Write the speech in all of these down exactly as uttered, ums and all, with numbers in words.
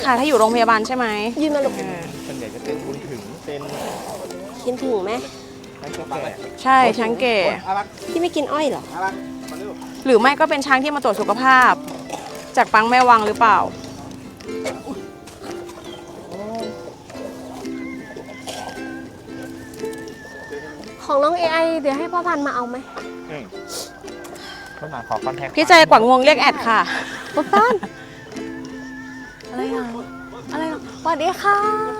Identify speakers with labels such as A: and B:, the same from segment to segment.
A: ค่ะถ้าอยู่โรงพยาบาลใช่ไหม
B: ยืนมาลูก
C: ส่วนใหญ่จะเป็นบุญถึงเป็น
B: กินถึงไหม
A: ใช่ช้างเก๋
B: ที่ไม่กินอ้อยเหรอ
A: หรือไม่ก็เป็นช้างที่มาตรวจสุขภาพจากปังแม่วังหรือเปล่า
B: ของน้อง เอ ไอ เดี๋ยวให้พ่อพันธุ์มาเอาไหม
C: ต้นหนาขอคอนแทค
A: พี่ใจกว่างวงเรียกแอดค่ะ
B: พ่อพันธุ์
A: อะไรอ่ะอะไรอ่ะ
B: สวัสดีค่ะ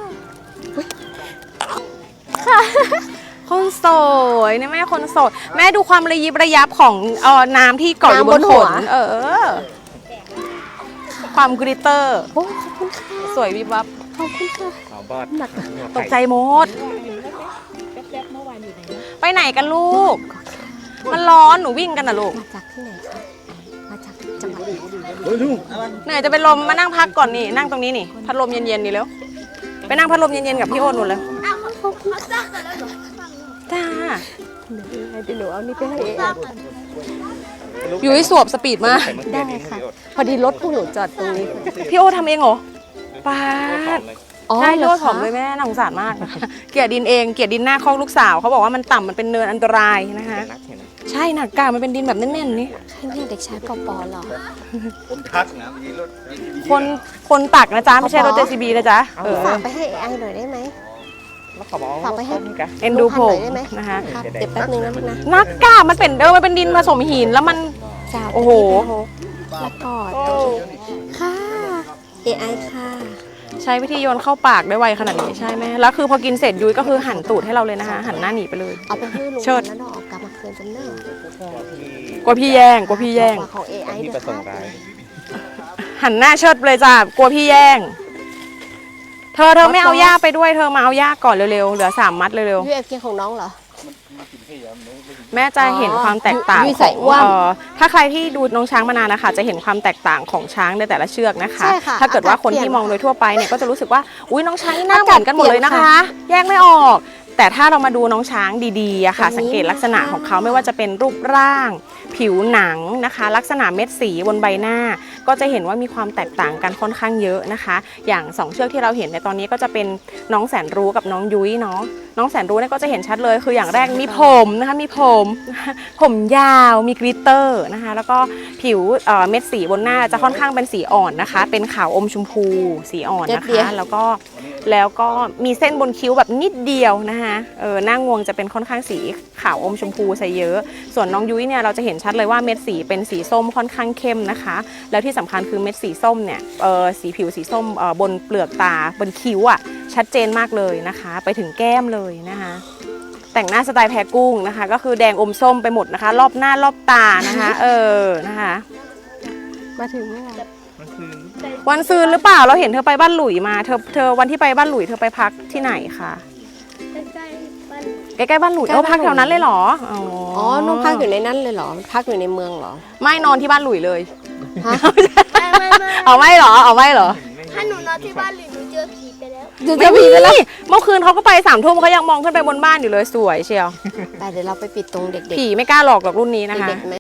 A: ค่ะคนโสวยนี่แม่คนโสดแม่ดูความระยิบระยับของเอ่อน้ำที่เกาะอยู่บนขนเออความกริตเตอร์
B: โอ้ขอบคุณค่ะ
A: สวยวิบวับ
B: ขอบคุณค่ะ
A: ตกใจหมดไปไหนกันลูกมันร้อนหนูวิ่งกันนะลูก
B: มาจากที่ไหนคะมาจากจังหวัด
A: เหนื่อยจะเป็นลมมานั่งพักก่อนนี่นั่งตรงนี้นี่พัดลมเย็นๆนี่แล้วไปนั่งพัดลมเย็นๆกับพี่โอนหมดเลยจ้า
B: เดี๋ยวหนูเอานี่ไปให้
A: อยู่ที่สวบสปีดมา
B: ได้ค่ะพอดีรถพวกหนูจอดตรงนี้
A: พี่โอทำเองเหรอป้าใช่โลดผอมเลยแม่น่าสงสารมากเกลียดดินเองเกลียดดินหน้าคอกลูกสาวเขาบอกว่ามันต่ำมันเป็นเนินอันตรายนะคะใช่หนักกามันเป็นดินแบบแน่นๆนี่
B: ใช่เนี่ยเด็กชายปอปอเหรอ
C: คนทักนะมีรถ
A: คนคนตักนะจ๊ะไม่ใช่รถ เจ ซี บี นะจ๊ะ
B: ฝากไปให้ไอหน่อยได้ไหมฝากไปให้
A: เอ็นดูผมนะคะ
B: เดี๋ยวแป๊บนึงนะลูกนะ
A: นักกามันเป็นเออมันเป็นดินผสมหินแล้วมันโอ้โห
B: แล้วก็ค่ะ เอ ไอ ค่ะ
A: ใช้วิธีโยนเข้าปากได้ไวขนาดนี้ใช่ไหมแล้วคือพอกินเสร็จยุ้ยก็คือหันตูดให้เราเลยนะคะหันหน้าหนีไปเลย
B: เอาไปให้ลุงแล้วดอกกลับมาคืนจำเนิด
A: กลัวพี่แย่งกลัวพี่แย่ง
B: ของ เอ ไอ เดี๋ยว
A: หันหน้าเชิดเลยจ้ะกลัวพี่แย่งเธอเธอไม่เอาย่าไปด้วยเธอมาเอาย่าก่อนเร็วๆเหลือสามมัดเร็ว
B: ๆยูเอฟเคของน้องเหรอ
A: แม่จะเห็นความแตกต่างถ้าใครที่ดูน้องช้างมานานนะคะจะเห็นความแตกต่างของช้างในแต่ละเชือกนะคะถ้าเกิดว่าคนที่มองโดยทั่วไปเนี่ยก็จะรู้สึกว่าอุ้ยน้องช้างหน้าเหมือนกันหมดเลยนะคะแยกไม่ออกแต่ถ้าเรามาดูน้องช้างดีๆอะค่ะสังเกตลักษณะของเขาไม่ว่าจะเป็นรูปร่างผิวหนังนะคะลักษณะเม็ดสีบนใบหน้าก็จะเห็นว่ามีความแตกต่างกันค่อนข้างเยอะนะคะอย่างสองเชือกที่เราเห็นในตอนนี้ก็จะเป็นน้องแสนรู้กับน้องยุ้ยเนาะน้องแสนรู้เนี่ยก็จะเห็นชัดเลยคืออย่างแรกมีผมนะคะมีผมผมยาวมีกลิตเตอร์นะคะแล้วก็ผิวเม็ดสีบนหน้าจะค่อนข้างเป็นสีอ่อนนะคะเป็นขาวอมชมพูสีอ่อนนะคะแล้วก็แล้วก็มีเส้นบนคิ้วแบบนิดเดียวนะคะเออหน้างวงจะเป็นค่อนข้างสีขาวอมชมพูซะเยอะส่วนน้องยุ้ยเนี่ยเราจะเห็นชัดเลยว่าเม็ดสีเป็นสีส้มค่อนข้างเข้มนะคะแล้วที่สำคัญคือเม็ดสีส้มเนี่ยเออสีผิวสีส้มเออบนเปลือกตาบนคิ้วอ่ะชัดเจนมากเลยนะคะไปถึงแก้มเลยนะคะแต่งหน้าสไตล์แพรกุ้งนะคะก็คือแดงอมส้มไปหมดนะคะรอบหน้ารอบตานะคะเออนะคะ
B: มาถึงเมื่อไหร่
A: วันซืนหรือเปล่าเราเห็นเธอไปบ้านหลุยมาเธอเธอวันที่ไปบ้านหลุยเธอไปพักที่ไหนคะใกล้ๆบ้านหลุยเออพักแถวนั้นเลยเหรอ
B: อ๋อน้องพักอยู่ในนั้นเลยเหรอพักอยู่ในเมืองเหรอ
A: ไม่นอนที่บ้านหลุยเลย
D: ไม่ไม่
A: เอาไม่เหรอเอาไม่เหรอ
D: ถ้าหนูนอนที่บ้านหลุยหนูเจอผีไปแล้ว
A: เจอผีไปแล้วเมื่อคืนเขาก็ไปสามทุ่มเขายังมองขึ้นไปบนบ้านอยู่เลยสวยเชียว
B: แต่เดี๋ยวเราไปปิดตรงเด็กๆ
A: ผีไม่กล้าหลอกหรอกรุ่นนี้นะคะ